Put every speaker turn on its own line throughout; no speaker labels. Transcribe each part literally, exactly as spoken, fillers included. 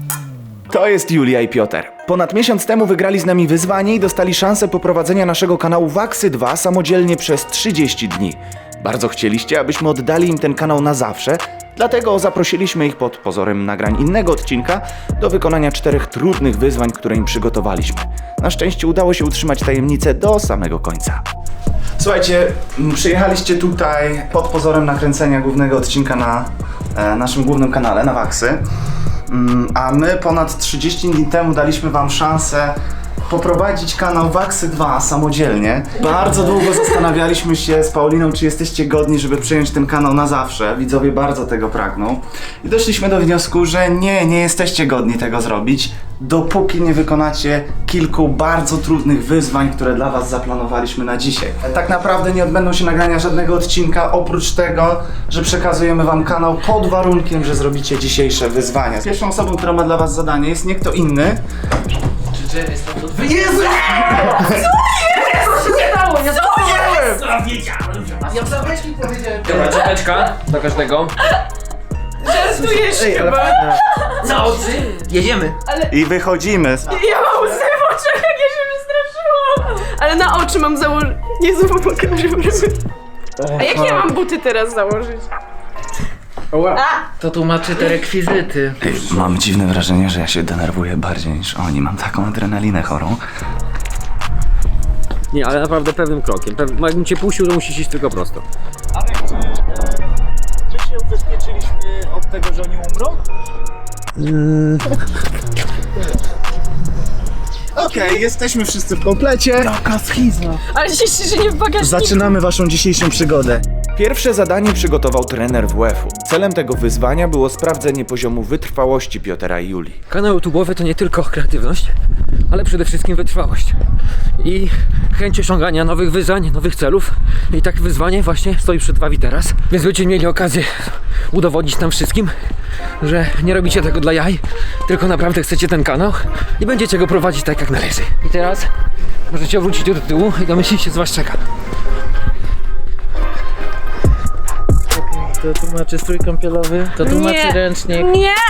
To jest Julia i Piotr. Ponad miesiąc temu wygrali z nami wyzwanie i dostali szansę poprowadzenia naszego kanału Waksy dwa samodzielnie przez trzydzieści dni. Bardzo chcieliście, abyśmy oddali im ten kanał na zawsze, dlatego zaprosiliśmy ich pod pozorem nagrań innego odcinka do wykonania czterech trudnych wyzwań, które im przygotowaliśmy. Na szczęście udało się utrzymać tajemnicę do samego końca. Słuchajcie, m, przyjechaliście tutaj pod pozorem nakręcenia głównego odcinka na e, naszym głównym kanale, na Waksy. Mm, a my ponad trzydzieści dni temu daliśmy wam szansę poprowadzić kanał Waksy dwa samodzielnie. Bardzo długo zastanawialiśmy się z Pauliną, czy jesteście godni, żeby przejąć ten kanał na zawsze. Widzowie bardzo tego pragną. I doszliśmy do wniosku, że nie, nie jesteście godni tego zrobić, dopóki nie wykonacie kilku bardzo trudnych wyzwań, które dla was zaplanowaliśmy na dzisiaj. Tak naprawdę nie odbędą się nagrania żadnego odcinka, oprócz tego, że przekazujemy wam kanał pod warunkiem, że zrobicie dzisiejsze wyzwania. Pierwszą osobą, która ma dla was zadanie, jest nie kto inny. Jezu!
Co się nie dało? Ja zapomniałem!
Co wiedziałem?
Ja w zawieźni powiedziałem.
Dobra, czapeczka dla każdego.
Żartujesz chyba.
Na oczy? Jedziemy.
I wychodzimy.
Ja mam łzy w oczach, jak ja się wystraszyłam. Ale na oczy mam założyć. Jezu, pokażę. A jakie ja mam buty teraz założyć?
To tłumaczy te rekwizyty.
Mam dziwne wrażenie, że ja się denerwuję bardziej niż oni. Mam taką adrenalinę chorą.
Nie, ale naprawdę pewnym krokiem. Pew... Jakbym cię puścił, to musisz iść tylko prosto.
Ale czy my się ubezpieczyliśmy od tego, że oni umrą? Okej, okay, jesteśmy wszyscy w komplecie. Jaka schizma.
Ale się że nie w bagażniku.
Zaczynamy waszą dzisiejszą przygodę.
Pierwsze zadanie przygotował trener W F u. Celem tego wyzwania było sprawdzenie poziomu wytrwałości Piotra i Julii.
Kanał YouTube'owy to nie tylko kreatywność, ale przede wszystkim wytrwałość. I chęć osiągania nowych wyzwań, nowych celów. I tak wyzwanie właśnie stoi przed wami teraz. Więc będziecie mieli okazję udowodnić nam wszystkim, że nie robicie tego dla jaj, tylko naprawdę chcecie ten kanał i będziecie go prowadzić tak jak należy. I teraz możecie wrócić do tyłu i domyślić się, co was czeka.
To tłumaczy strój kąpielowy, to tłumaczy
Nie.
ręcznik.
Nie! Nie,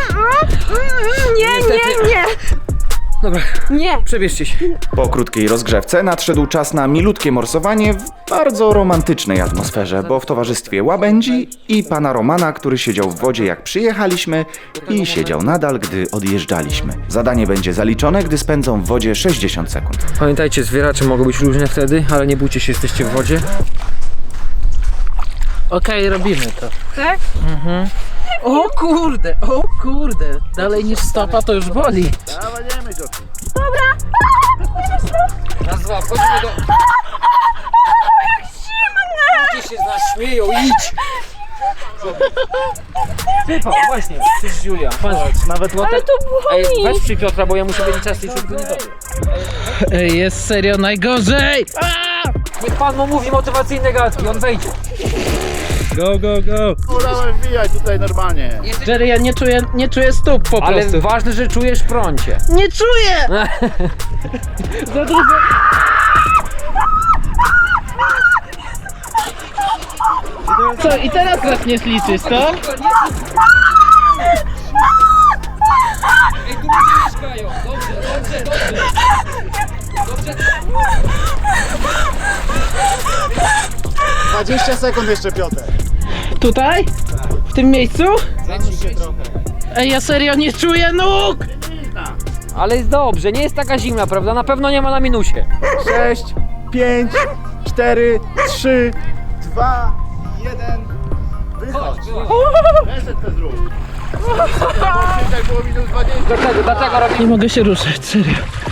nie, nie!
Dobra,
Nie!
przebierzcie się.
Po krótkiej rozgrzewce nadszedł czas na milutkie morsowanie w bardzo romantycznej atmosferze, bo w towarzystwie łabędzi i pana Romana, który siedział w wodzie jak przyjechaliśmy i siedział nadal, gdy odjeżdżaliśmy. Zadanie będzie zaliczone, gdy spędzą w wodzie sześćdziesiąt sekund.
Pamiętajcie, zwieracze mogą być różne wtedy, ale nie bójcie się, jesteście w wodzie.
Okej, robimy to.
Tak?
O kurde, o kurde. Dalej niż stopa to już boli.
Raz, dwa, wchodzimy do... Ludzie się z nas śmieją, idź! Wypał, właśnie, przecież Julia. Patrz, nawet
Ale
łotek...
to
Ej,
boli!
weź przy Piotra, bo ja muszę wiedzieć czas i szybko nie dobre.
Ej, jest serio najgorzej!
Niech pan mu mówi motywacyjne gadki, on wejdzie.
Go, go, go. Wolałem wbijać tutaj normalnie.
Jerry, ja nie czuję, nie czuję stóp po
Ale
prostu.
ważne, że czujesz prącie.
Nie czuję! Za dużo. Co, i teraz zaczniesz liczyć, to?
Ej, tu ludzie mieszkają. Dobrze, dobrze, dobrze. Dobrze.
dwadzieścia sekund jeszcze, Piotr.
Tutaj? W tym miejscu?
Zanuś się trochę.
Ej, ja serio nie czuję nóg!
Ale jest dobrze, nie jest taka zimna, prawda? Na pewno nie ma na minusie.
sześć, pięć, cztery, trzy, dwa, jeden. Wychodź. Reset to zrób. Tak było minus dwadzieścia.
Dlaczego? Dlaczego robimy?
Nie mogę się ruszać, serio.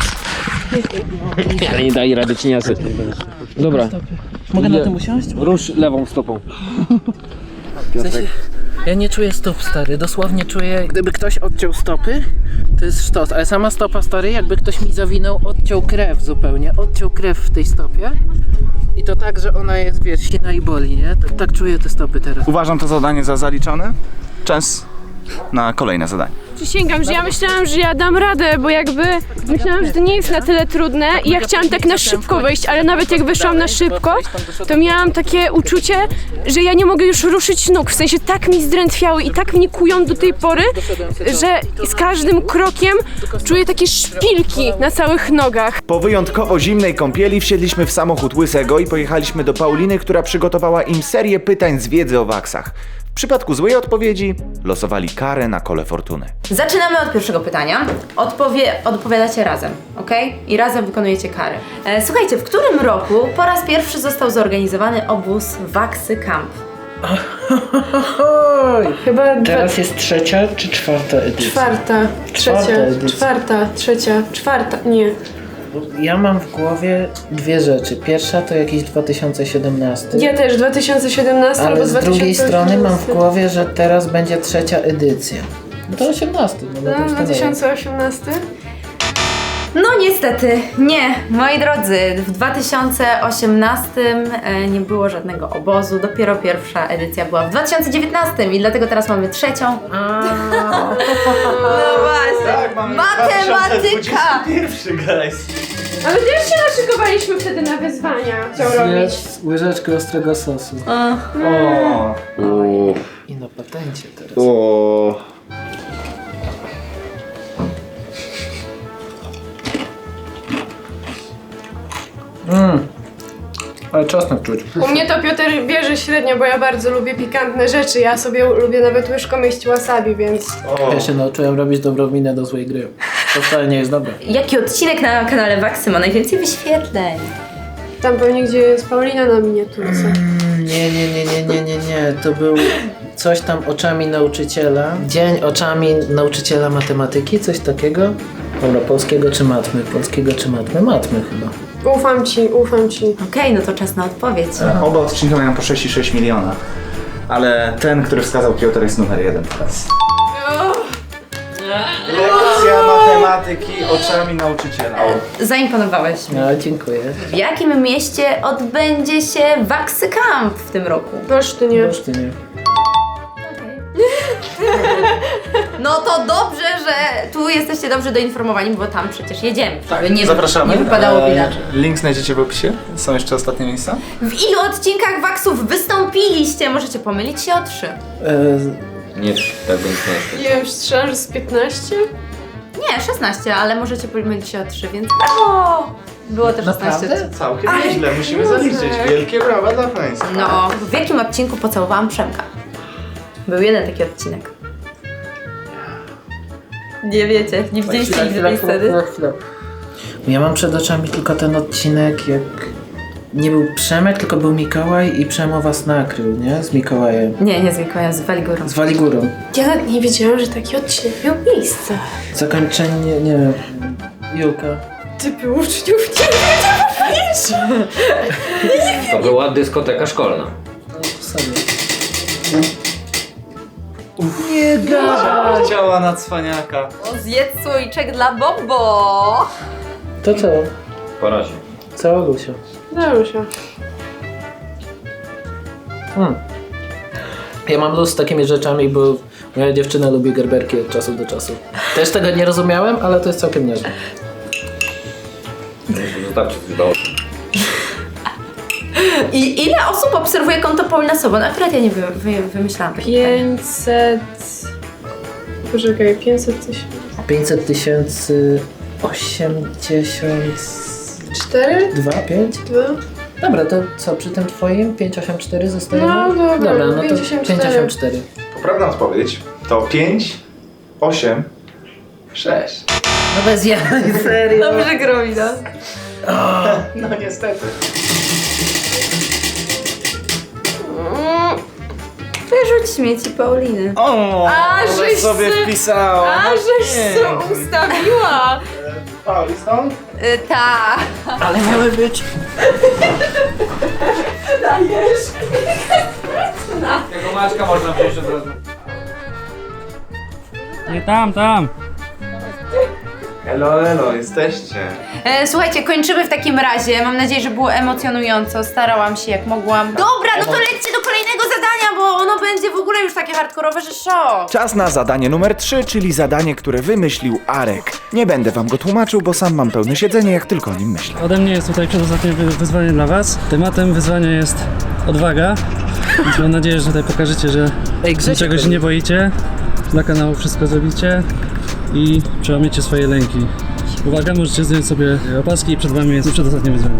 Ale nie daj rady, cieniasy. Dobra.
Mogę na tym usiąść?
Rusz lewą stopą.
W sensie, ja nie czuję stóp, stary, dosłownie czuję, gdyby ktoś odciął stopy, to jest sztos, ale sama stopa, stary, jakby ktoś mi zawinął, odciął krew zupełnie, odciął krew w tej stopie i to tak, że ona jest, wiesz, sina i boli, nie? Tak, tak czuję te stopy teraz.
Uważam to zadanie za zaliczone. Czas na kolejne zadanie.
Przysięgam, że ja myślałam, że ja dam radę, bo jakby myślałam, że to nie jest na tyle trudne i ja chciałam tak na szybko wejść, ale nawet jak wyszłam na szybko, to miałam takie uczucie, że ja nie mogę już ruszyć nóg, w sensie tak mi zdrętwiały i tak mnie kują do tej pory, że z każdym krokiem czuję takie szpilki na całych nogach.
Po wyjątkowo zimnej kąpieli wsiedliśmy w samochód Łysego i pojechaliśmy do Pauliny, która przygotowała im serię pytań z wiedzy o waksach. W przypadku złej odpowiedzi losowali karę na kole fortuny.
Zaczynamy od pierwszego pytania. Odpowie, odpowiadacie razem, ok? I razem wykonujecie kary. E, słuchajcie, w którym roku po raz pierwszy został zorganizowany obóz Waksy Camp?
Oj,
Chyba
teraz jest trzecia czy czwarta edycja?
czwarta,
Czwarta
trzecia,
edycja.
czwarta, trzecia, czwarta, nie.
Ja mam w głowie dwie rzeczy. Pierwsza to jakiś dwa tysiące siedemnasty.
Ja też, dwa tysiące siedemnasty albo
Ale z drugiej
dwa tysiące
strony mam w
osiemnasty.
głowie, że teraz będzie trzecia edycja. No to osiemnasty. No,
No,
no,
dwa tysiące osiemnasty?
No niestety, nie, moi drodzy. W dwa tysiące osiemnastym e, nie było żadnego obozu. Dopiero pierwsza edycja była w dwa tysiące dziewiętnastym i dlatego teraz mamy trzecią. No właśnie, matematyka!
Pierwszy, guys.
Ale też się naszykowaliśmy wtedy na wyzwania, chciał robić.
Zjedz łyżeczkę ostrego sosu.
O.
I na patencie teraz.
O.
Mmm. Ale czosnek czuć.
U mnie to Piotr bierze średnio, bo ja bardzo lubię pikantne rzeczy. Ja sobie lubię nawet łyżką jeść wasabi, więc...
Ja się nauczyłem robić dobrą minę do złej gry. To wcale nie jest dobre.
Jaki odcinek na kanale Waksy ma najwięcej wyświetleń?
Tam pewnie gdzie jest Paulina na miniaturce.
Nie, nie, nie, nie, nie, nie, nie. To był coś tam oczami nauczyciela. Dzień oczami nauczyciela matematyki, coś takiego. Dobra, polskiego czy matmy? Polskiego czy matmy? Matmy chyba.
Ufam ci, ufam ci.
Okej, no to czas na odpowiedź.
Oba odcinki mają po sześć i sześć miliona. Ale ten, który wskazał Piotr, jest numer jeden teraz. Lekcja matematyki oczami nauczyciela.
Zaimponowałeś mi.
No, dziękuję.
W jakim mieście odbędzie się Waksy Camp w tym roku?
Olsztynie.
Już ty nie.
No to dobrze, że tu jesteście dobrze doinformowani, bo tam przecież jedziemy. Żeby nie,
Zapraszamy.
nie wypadało
Eee,
inaczej.
Link znajdziecie w opisie. Są jeszcze ostatnie miejsca.
W ilu odcinkach Waksów wystąpiliście? Możecie pomylić się o trzy.
E,
Nie, tak bym nie
Nie wiem, strzelam, że z piętnaście?
Nie, szesnaście, ale możecie pomylić się o trzy, więc brawo! Było to szesnaście.
Naprawdę?
Całkiem nieźle, musimy zaliczyć. Wielkie brawa dla Państwa.
No, w jakim odcinku pocałowałam Przemka? Był jeden taki odcinek. Nie wiecie, nie widzieliście nigdy tej sceny?
Ja mam przed oczami tylko ten odcinek, jak nie był Przemek, tylko był Mikołaj i Przemo was nakrył, nie? Z Mikołajem.
Nie, nie z Mikołajem, z Waligurą.
Z Waligurą.
Ja nawet nie wiedziałam, że taki odcinek miał miejsce.
Zakończenie, nie wiem, Julka.
Typy uczniów nie
To była dyskoteka szkolna.
Sobie.
Chciała na cwaniaka.
O, zjedz słoiczek dla Bobo!
To co?
Po razie.
Cała Lusia.
Dało się.
Hmm. Ja mam luz z takimi rzeczami, bo moja dziewczyna lubi gerberki od czasu do czasu. Też tego nie rozumiałem, ale to jest całkiem niezłe.
Zostawcie coś do oczu.
I ile osób obserwuje konto Paulina Sobon? Akurat ja nie wy, wy, wymyślałam takich pytań.
pięćset... Poczekaj, pięćset tysięcy...
pięćset tysięcy... osiemdziesiąt...
Cztery?
dwa, pięć?
Dwa?
Dobra, to co, przy tym twoim pięćset osiemdziesiąt cztery zostajemy?
No, dobra,
Dobra, no to
pięćset osiemdziesiąt cztery.
pięćset osiemdziesiąt cztery.
Poprawna odpowiedź to pięć, osiem, sześć.
No bez jaj, serio.
Dobrze gromi, no.
No niestety.
Wyrzuć śmieci Pauliny.
O,
A,
ale
żeś
sobie
se-
wpisała.
A, żeś co ustawiła!
Pauli stąd?
Y, ta.
Ale miały być.
Tego Maćka można wziąć od razu.
Nie tam, tam.
Elo, elo, jesteście.
E, słuchajcie, kończymy w takim razie. Mam nadzieję, że było emocjonująco. Starałam się jak mogłam. Dobra, no to lećcie do kolejnego zadania, bo ono pewno będzie w ogóle już takie hardkorowe, że szok.
Czas na zadanie numer trzy, czyli zadanie, które wymyślił Arek. Nie będę wam go tłumaczył, bo sam mam pełne siedzenie, jak tylko o nim myślę.
Ode mnie jest tutaj przedostatnie wy- wyzwanie dla was. Tematem wyzwania jest odwaga. Więc mam nadzieję, że tutaj pokażecie, że
Ej, Grzesiek,
niczego się nie boicie. Dla kanału wszystko zrobicie i przełamiecie swoje lęki. Uwaga, możecie zdjąć sobie opaski i przed wami jest przedostatnie wyzwanie.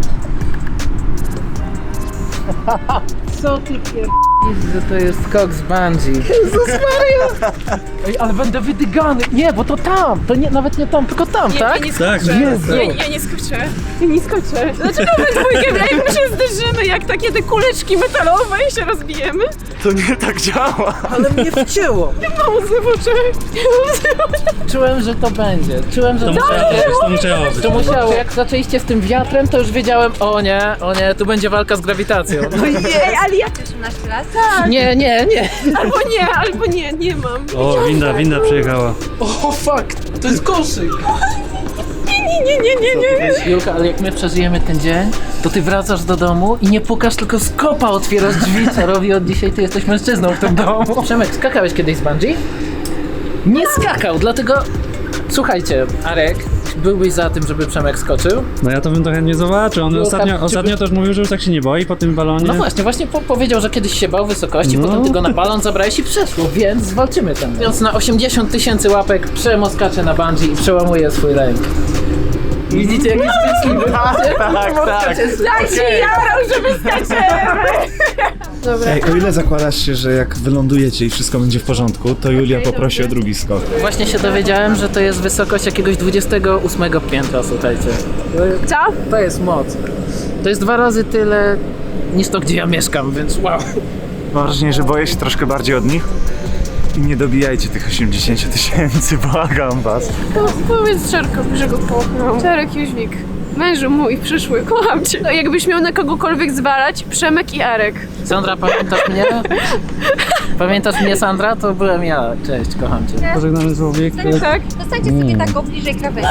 Co ty pier... że to jest skok z bungee. Jezus Maria! Ej, ale będę wydygany. Nie, bo to tam. To nie, nawet nie tam, tylko tam,
Nie,
tak?
ja nie
Tak,
skoczę.
Jezu.
Ja, ja nie skoczę. Ja nie skoczę. Dlaczego my dwójkę, jak my się zderzymy, jak takie te kuleczki metalowe i się rozbijemy?
To nie tak działa.
Ale mnie wcięło.
Mam łzy w oczach. Mam łzy w oczach.
Czułem, że to będzie. Czułem, że
To
to
musiało
będzie.
być, to musiało być.
To musiało. Jak zaczęliście z tym wiatrem, to już wiedziałem, o nie, o nie, tu będzie walka z grawitacją. No i
Ej, ale ja...
osiemnaście lat?
nie, nie, nie.
Albo nie, albo nie, nie mam.
O, winda, winda przyjechała.
O fuck, to jest koszyk.
Nie, nie, nie, nie, nie.
Julka, ale jak my przeżyjemy ten dzień, to ty wracasz do domu i nie pukasz, tylko z kopa otwierasz drzwi, co robi od dzisiaj ty jesteś mężczyzną w tym domu. Przemek, skakałeś kiedyś z bungee? Nie skakał, dlatego... Słuchajcie, Arek, byłbyś za tym, żeby Przemek skoczył?
No ja to bym trochę nie zobaczył. On
Było
ostatnio,
tam-
ostatnio też mówił, że już tak się nie boi po tym balonie.
No właśnie, właśnie po powiedział, że kiedyś się bał wysokości,
No.
potem ty go na balon zabrałeś i przeszło, więc zwalczymy ten. Więc na osiemdziesiąt tysięcy łapek Przemo skacze na bungee i przełamuje swój lęk. Widzicie, jak jest szczęśliwy?
Tak, tak, tak.
Daj ci jarą, żeby skaczemy. Dobra.
Ej, o ile zakładasz się, że jak wylądujecie i wszystko będzie w porządku, to Julia poprosi o drugi skok.
Właśnie się dowiedziałem, że to jest wysokość jakiegoś dwudziestego ósmego piętra, słuchajcie.
Co?
To jest moc. To jest dwa razy tyle niż to, gdzie ja mieszkam, więc wow.
Mam wrażenie, że boję się troszkę bardziej od nich. I nie dobijajcie tych osiemdziesiąt tysięcy, błagam was.
Po, powiedz Czarkowi, że go kocham. Czarek Jóźwik, mężu mój przyszły, kocham cię. No, jakbyś miał na kogokolwiek zwalać, Przemek i Arek.
Sandra, pamiętasz mnie? Pamiętasz mnie, Sandra? To byłem ja. Cześć, kocham cię.
Pożegnany człowiek.
Tak?
Zostańcie sobie tak o bliżej krawędzi.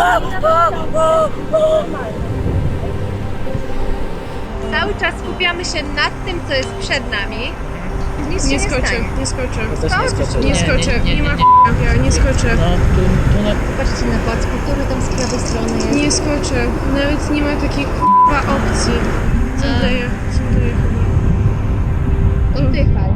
Cały czas skupiamy się nad tym, co jest przed nami. Nic
Nie
się
skoczę,
stanie.
nie skoczę.
Też nie skoczę.
Nie skoczę,
nie,
nie ma
nie.
ja nie skoczę.
No, tu, tu na...
Patrzcie na pałac kultury, tam z prawej strony jest.
Nie skoczę. Nawet nie ma takiej k***a opcji. Co daje? Co daje chyba?
Oddychaj.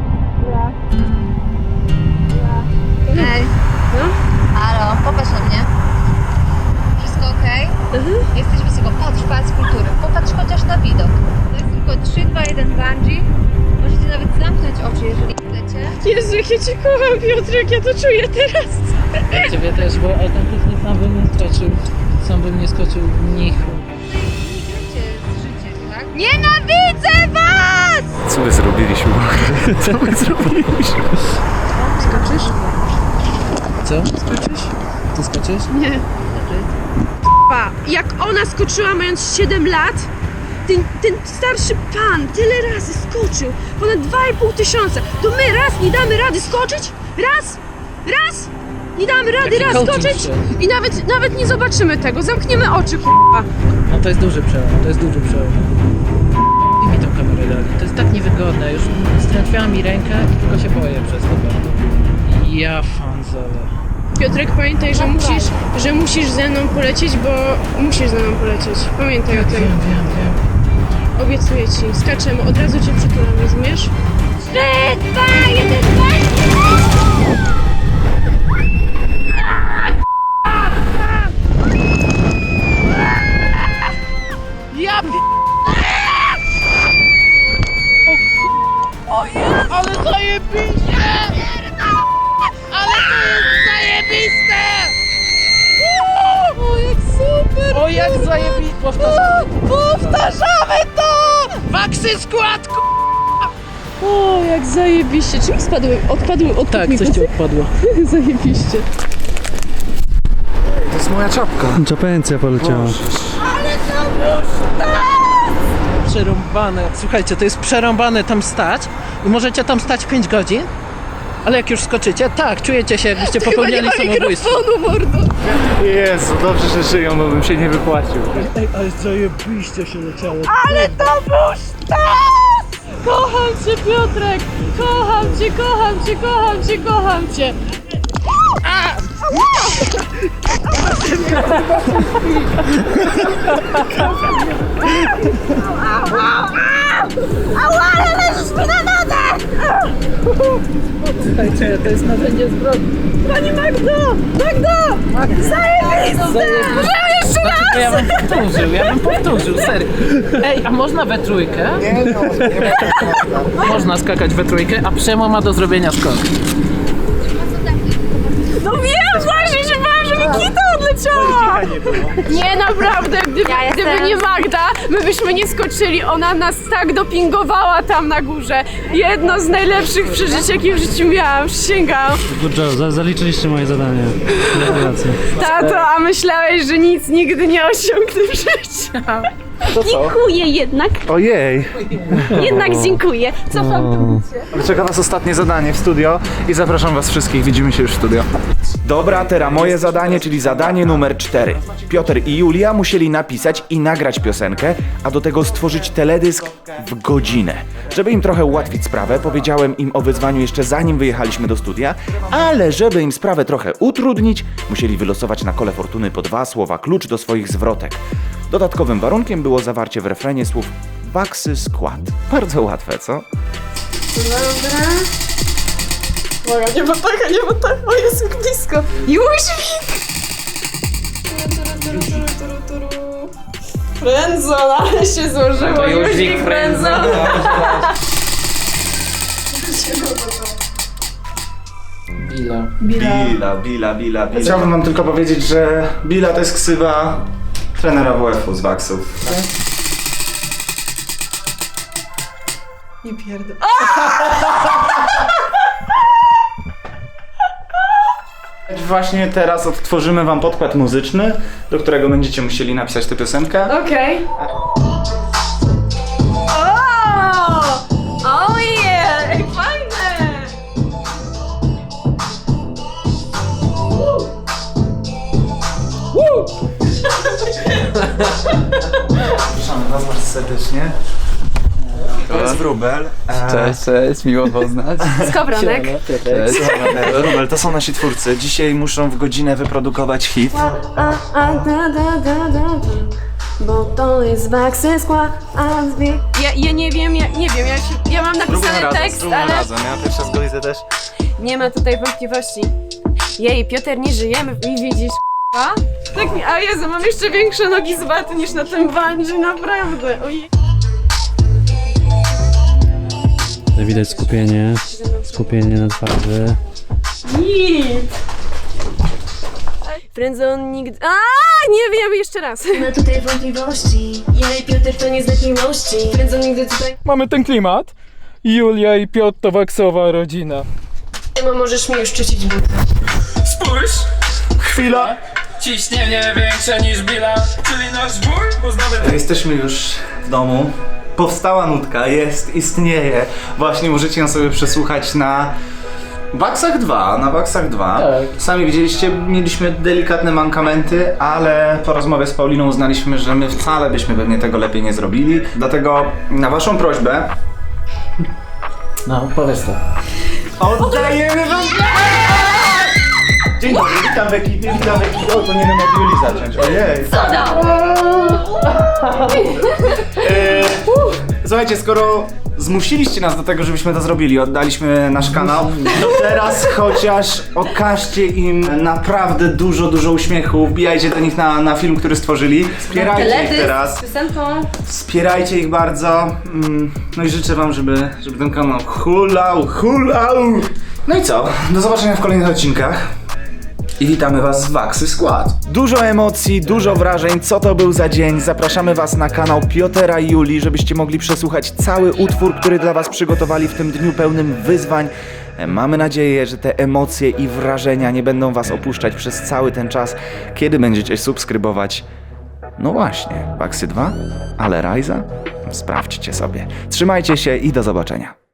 Ej.
No?
Halo, popatrz na mnie. Wszystko okej? Jesteś wysoko. Patrz, pałac kultury. Popatrz chociaż na widok. To jest tylko trzy, dwa, jeden bungee. Możecie nawet zamknąć oczy, jeżeli chcecie.
Jezu, jak ja cię kocham, Piotrek, ja to czuję teraz.
Ciebie też, bo autentycznie sam bym nie skoczył. Sam bym nie skoczył nichu.
Nie gracie z życiem, tak? Nienawidzę was!
Co my zrobiliśmy? Co my zrobiliśmy?
Skoczysz?
Co?
Skoczysz?
Ty skoczysz?
Nie. Pa, jak ona skoczyła mając siedem lat, ten, ten starszy pan tyle razy skoczył, ponad dwa i pół tysiąca, to my raz nie damy rady skoczyć? Raz? Raz? Nie damy rady
Jaki
raz
coaching
skoczyć?
się.
I nawet, nawet nie zobaczymy tego, zamkniemy oczy, k***a.
No to jest duży przełom, to jest duży przełom. I mi tą kamerę dali. To jest tak niewygodne, już strętwiała mi rękę i tylko się boję przez to. Ja fanzole.
Piotrek, pamiętaj, że musisz, że musisz ze mną polecieć, bo musisz ze mną polecieć. Pamiętaj o tym.
Wiem, wiem, wiem.
Obiecuję ci. Skaczemy, od razu cię przytulam, rozumiesz?
trzy, dwa, jeden, bungee!
Ja p... O, o, ale zajebiście! Ale to jest zajebiste!
O, jak super!
O, jak zajebiście! Powtarzamy! Powtarzamy to! Waksy skład, k***!
O, jak zajebiście. Czy mi spadły, odpadły od
Tak, coś ci odpadło.
Zajebiście.
To jest moja czapka.
Czapencja poleciała.
Przerąbane. Słuchajcie, to jest przerąbane tam stać i możecie tam stać pięć godzin, ale jak już skoczycie, tak, czujecie się, jakbyście popełniali samobójstwo.
mordo.
Jezu, dobrze, że żyją, bo bym się nie wypłacił.
Ej, ale zajebiście się leciało.
Ale to był sztos! Kocham cię, Piotrek! Kocham cię, kocham cię, kocham cię, kocham cię!
Słuchajcie, to jest narzędzie zbrodni.
Pani Magdo! Magdo! Zajebiste! Jeszcze raz!
Ja bym powtórzył, ja bym powtórzył, serio. Ej, a można we trójkę? Nie, no, nie można skakać we trójkę, a Przemo ma do zrobienia skok.
No wiem, właśnie się bałam, że mi kita odleciała! Nie, naprawdę, gdyby,
Ja
gdyby
jestem-
nie Magda, my byśmy nie skoczyli. Ona nas tak dopingowała tam na górze. Jedno z najlepszych przeżyć, jakie w życiu miałam, przysięgam.
Good job, za- zaliczyliście moje zadanie. Gratulacje.
Tato, a myślałeś, że nic nigdy nie osiągnę w życiu. Dziękuję jednak,
Ojej!
jednak dziękuję. Cofam.
Czeka nas ostatnie zadanie w studio i zapraszam was wszystkich, widzimy się już w studio.
Dobra, teraz moje zadanie, czyli zadanie numer cztery. Piotr i Julia musieli napisać i nagrać piosenkę, a do tego stworzyć teledysk w godzinę. Żeby im trochę ułatwić sprawę, powiedziałem im o wyzwaniu jeszcze zanim wyjechaliśmy do studia, ale żeby im sprawę trochę utrudnić, musieli wylosować na kole fortuny po dwa słowa klucz do swoich zwrotek. Dodatkowym warunkiem było zawarcie w refrenie słów Waxy skład. Bardzo łatwe, co?
Moja, nie ma taka, nie ma tak, o jest jak blisko. Jóźwik! Frędzon, ale się złożyło. Jóźwik frędzon.
Bila.
Bila, Bila, Bila, Bila. Chciałbym wam tylko powiedzieć, że Bila to jest ksywa trenera W F u z Waxów.
Nie pierdol.
Właśnie teraz odtworzymy wam podkład muzyczny, do którego będziecie musieli napisać tę piosenkę.
Okej. O! Oh yeah! Ej, fajne!
Zapraszamy was bardzo serdecznie. To jest Wróbel. E,
Cześć, cześć, miło poznać.
Skowronek.
Cześć.
Wróbel, to są nasi twórcy. Dzisiaj muszą w godzinę wyprodukować hit.
A, a, da, da, da, da, da. Bo to jest Waxy skład, a zwie... Ja, ja nie wiem, ja nie wiem, ja, się, ja mam napisany tekst, ale
Ja pierwszy raz go widzę też.
nie ma tutaj wątpliwości. Jej, Piotr, nie żyjemy i widzisz, a? Tak mi, a Jezu, mam jeszcze większe nogi z waty niż na tym bungee, naprawdę. Ojej.
Tutaj widać skupienie, skupienie na twarzy.
Nic. Frędzon nigdy... A, nie wiem, jeszcze raz.
Nie ma tutaj wątpliwości. Ja i Piotr to nie znak miłości.
Frędzon nigdy tutaj...
Mamy ten klimat. Julia i Piotr to waksowa rodzina.
Ema, możesz mi już czyścić buty.
Spójrz!
Chwila!
Ciśnienie większe niż Billa, czyli nasz bój, bo znamy...
Jesteśmy już w domu. Powstała nutka, jest, istnieje. Właśnie możecie ją sobie przesłuchać na Waxach dwa, na Waxach dwa.
Tak.
Sami widzieliście, mieliśmy delikatne mankamenty, ale po rozmowie z Pauliną uznaliśmy, że my wcale byśmy pewnie tego lepiej nie zrobili. Dlatego na waszą prośbę
No, powiedz to.
oddajemy wam... Dzień dobry, witam w ekipie, witam w ekipie. O, powinienem od Julii zacząć, ojej. Eee, Słuchajcie, skoro zmusiliście nas do tego, żebyśmy to zrobili, oddaliśmy nasz kanał, to teraz chociaż okażcie im naprawdę dużo, dużo uśmiechu, wbijajcie do nich na, na film, który stworzyli, wspierajcie ich teraz,
piosenką.
wspierajcie ich bardzo, mm, no i życzę wam, żeby, żeby ten kanał hulał, hulał. No i co, do zobaczenia w kolejnych odcinkach. I witamy was z Waxy Skład. Dużo emocji, dużo wrażeń, co to był za dzień. Zapraszamy was na kanał Piotra i Julii, żebyście mogli przesłuchać cały utwór, który dla was przygotowali w tym dniu pełnym wyzwań. Mamy nadzieję, że te emocje i wrażenia nie będą was opuszczać przez cały ten czas, kiedy będziecie subskrybować. No właśnie, Waxy dwa, ale Rajza? Sprawdźcie sobie. Trzymajcie się i do zobaczenia.